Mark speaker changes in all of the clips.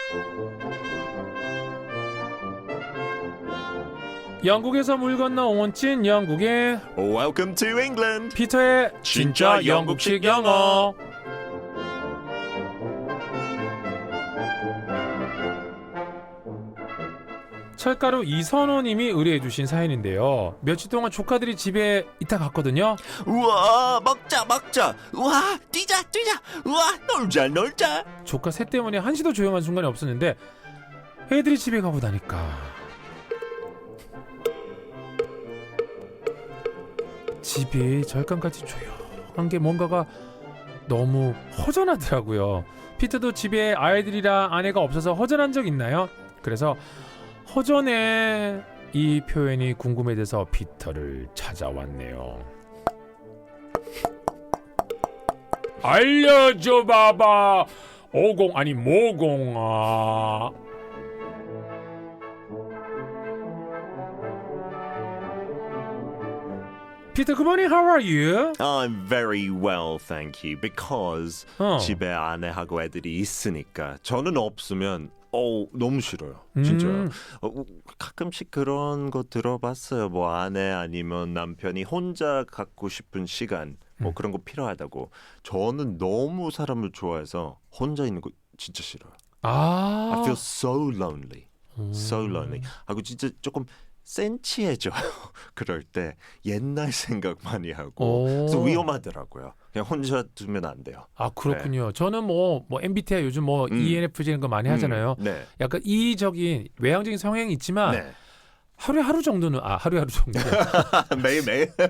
Speaker 1: 영국에서 물 건너 온 찐 영국의
Speaker 2: Welcome to England.
Speaker 1: 피터의 진짜 영국식 영어. 철가루 이선호님이 의뢰해주신 사연인데요. 며칠 동안 조카들이 집에 있다 갔거든요.
Speaker 2: 우와, 먹자. 우와, 뛰자. 우와, 놀자.
Speaker 1: 조카 셋 때문에 한시도 조용한 순간이 없었는데 애들이 집에 가고 나니까 집이 절간같이 조용한 게 뭔가가 너무 허전하더라고요. 피터도 집에 아이들이랑 아내가 없어서 허전한 적 있나요? 그래서 허전해 이 표현이 궁금해져서 피터를 찾아왔네요. 알려줘 봐봐. 오공 아니 모공아. 피터, good morning. How are you?
Speaker 2: I'm very well, thank you. Because 집에 아내하고 애들이 있으니까 저는 없으면 너무 싫어요. 진짜요. 가끔씩 그런 거 들어봤어요. 뭐 아내 아니면 남편이 혼자 갖고 싶은 시간 뭐 그런 거 필요하다고. 저는 너무 사람을 좋아해서 혼자 있는 거 진짜 싫어요. I feel so lonely. So lonely. 하고 진짜 조금 센치해져요. 그럴 때 옛날 생각 많이 하고 그래서 위험하더라고요. 그냥 혼자 두면 안 돼요.
Speaker 1: 아, 그렇군요. 네. 저는 뭐 MBTI 요즘 ENFJ 이런 거 많이 하잖아요.
Speaker 2: 네.
Speaker 1: 약간 이적인 외향적인 성향이 있지만
Speaker 2: 네.
Speaker 1: 하루 정도는
Speaker 2: 매일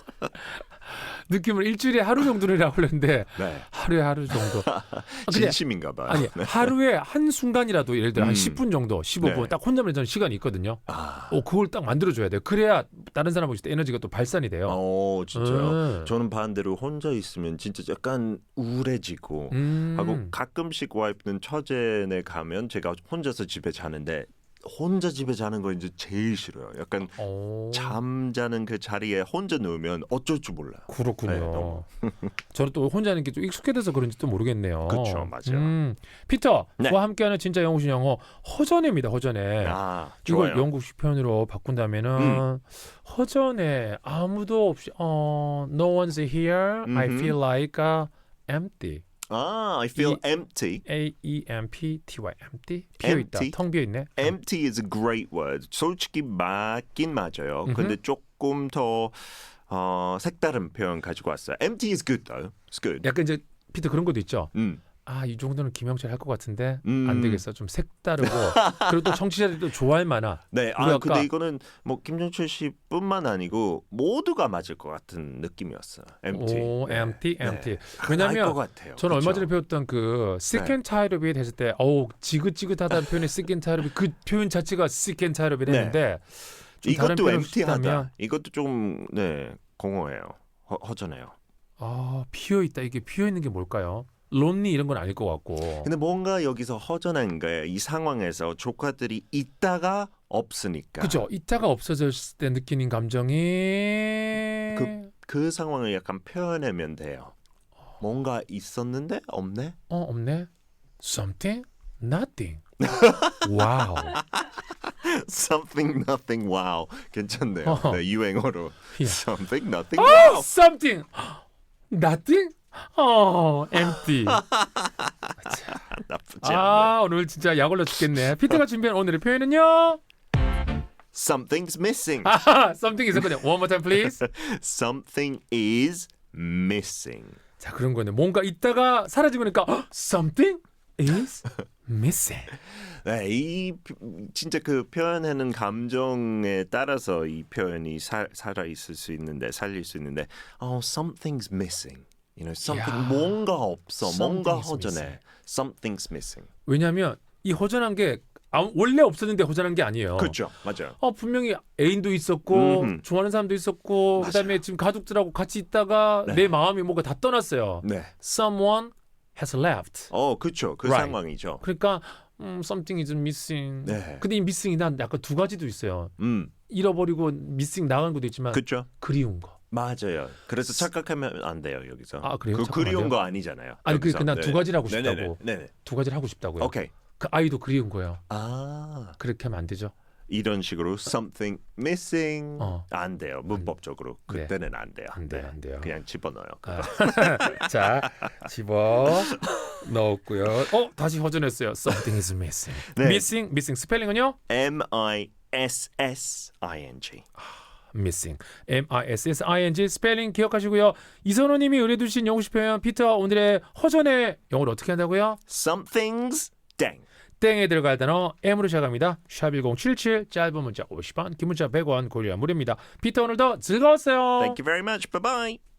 Speaker 1: 느낌을 일주일에 하루 정도라고 하려는데
Speaker 2: 네.
Speaker 1: 하루 정도.
Speaker 2: 진심인가 봐요.
Speaker 1: 아니,
Speaker 2: 네.
Speaker 1: 하루에 한 순간이라도 예를 들어 한 10분 정도, 15분
Speaker 2: 네.
Speaker 1: 딱 혼자만 있는 시간이 있거든요. 그걸 딱 만들어줘야 돼요. 그래야 다른 사람하고 있을 때 에너지가 또 발산이 돼요.
Speaker 2: 진짜요? 저는 반대로 혼자 있으면 진짜 약간 우울해지고 하고 가끔씩 와이프는 처제네 가면 제가 혼자서 집에 자는데 혼자 집에 자는 거 이제 제일 싫어요. 약간 잠자는 그 자리에 혼자 누우면 어쩔 줄 몰라요.
Speaker 1: 그렇군요. 네, 저는 또 혼자 하는 게 좀 익숙해져서 그런지 또 모르겠네요.
Speaker 2: 그렇죠, 맞아요.
Speaker 1: 피터,
Speaker 2: 네.
Speaker 1: 그와 함께하는 진짜 영국식 영어 허전해입니다. 허전해.
Speaker 2: 좋아요.
Speaker 1: 이걸 영국식 표현으로 바꾼다면은 허전해. 아무도 없이 no one's here. I feel like empty.
Speaker 2: I feel empty.
Speaker 1: A-E-M-P-T-Y empty. 비어있다.
Speaker 2: Empty?
Speaker 1: 텅 비어있네.
Speaker 2: Empty is a great word. 솔직히 맞긴 맞아요. 근데 조금 더 색다른 표현 가지고 왔어요. Empty is good though. It's good.
Speaker 1: 약간 이제 피터 그런 것도 있죠. 이 정도는 김영철 할 것 같은데 안 되겠어. 좀 색다르고 그리고 또 청취자들이 또 좋아할 만한.
Speaker 2: 네. 근데 이거는 뭐 김정철 씨뿐만 아니고 모두가 맞을 것 같은 느낌이었어요. Empty.
Speaker 1: empty. 왜냐하면 저는 얼마 전에 배웠던 그 sick and tired of에 됐을 때 지긋지긋하다는 표현의 sick and tired of 그 표현 자체가 sick and tired of 했는데 좀 다른
Speaker 2: 이것도
Speaker 1: 표현을
Speaker 2: empty하다.
Speaker 1: 쓰다면
Speaker 2: 이것도 좀 공허해요. 허전해요.
Speaker 1: 비어있다. 이게 비어있는 게 뭘까요? lonely 이런 건 아닐 것 같고.
Speaker 2: 근데 뭔가 여기서 허전한 거예요. 이 상황에서 조카들이 있다가 없으니까.
Speaker 1: 그죠. 있다가 없어졌을 때 느끼는 감정이
Speaker 2: 그 상황을 약간 표현하면 돼요. 뭔가 있었는데 없네?
Speaker 1: 없네. Something, nothing. 와우.
Speaker 2: Something, nothing, wow. 괜찮네요. 네, 유행어로. Something, nothing,
Speaker 1: wow.
Speaker 2: wow.
Speaker 1: Something, nothing. empty.
Speaker 2: 나쁘지 않네.
Speaker 1: 오늘 진짜 약 올라 죽겠네. 피터가 준비한 오늘의 표현은요?
Speaker 2: Something's missing.
Speaker 1: Something 있었거든요. One more time, please.
Speaker 2: Something is missing.
Speaker 1: 자, 그런 거네. 뭔가 있다가 사라지고 나니까 Something is missing.
Speaker 2: 네, 진짜 그 표현하는 감정에 따라서 이 표현이 살아 있을 수 있는데 살릴 수 있는데, something's missing. something 뭔가 없어, 뭔가 허전해. Something's missing.
Speaker 1: 왜냐하면 이 허전한 게 원래 없었는데 허전한 게 아니에요.
Speaker 2: 그렇죠, 맞아요.
Speaker 1: 분명히 애인도 있었고 좋아하는 사람도 있었고 그다음에 지금 가족들하고 같이 있다가 내 마음이 뭔가 다 떠났어요.
Speaker 2: 네.
Speaker 1: Someone has left.
Speaker 2: 그렇죠. 그
Speaker 1: right.
Speaker 2: 상황이죠.
Speaker 1: 그러니까 something is missing.
Speaker 2: 네.
Speaker 1: 근데 이 missing이 난 약간 두 가지도 있어요. 잃어버리고 missing 나간 것도 있지만
Speaker 2: 그렇죠.
Speaker 1: 그리운 거.
Speaker 2: 맞아요. 그래서 착각하면 안 돼요 여기서.
Speaker 1: 그래요?
Speaker 2: 그 그리운 거 아니잖아요.
Speaker 1: 아니 그난 두 가지를 하고 싶다고.
Speaker 2: 네네.
Speaker 1: 두 가지를 하고 싶다고요.
Speaker 2: 오케이.
Speaker 1: 그 아이도 그리운 거예요.
Speaker 2: 아.
Speaker 1: 그렇게 하면 안 되죠.
Speaker 2: 이런 식으로 something missing 안 돼요. 문법적으로 그때는 안 돼요.
Speaker 1: 안 돼요.
Speaker 2: 그냥 집어넣어요.
Speaker 1: 자, 집어 넣었고요. 다시 허전했어요. Something is missing.
Speaker 2: 네.
Speaker 1: missing 스펠링은요?
Speaker 2: M-I-S-S-I-N-G.
Speaker 1: missing. M-I-S-S-I-N-G 스펠링 기억하시고요. 이선호님이 의뢰해 주신 영어식 표현 피터 오늘의 허전의 영어로 어떻게 한다고요?
Speaker 2: Something's dang.
Speaker 1: 땡에 들어갈 단어 M으로 시작합니다. 샵1077 짧은 문자 50원 긴 문자 100원 고려 무료입니다. 피터 오늘도 즐거웠어요.
Speaker 2: Thank you very much. Bye-bye.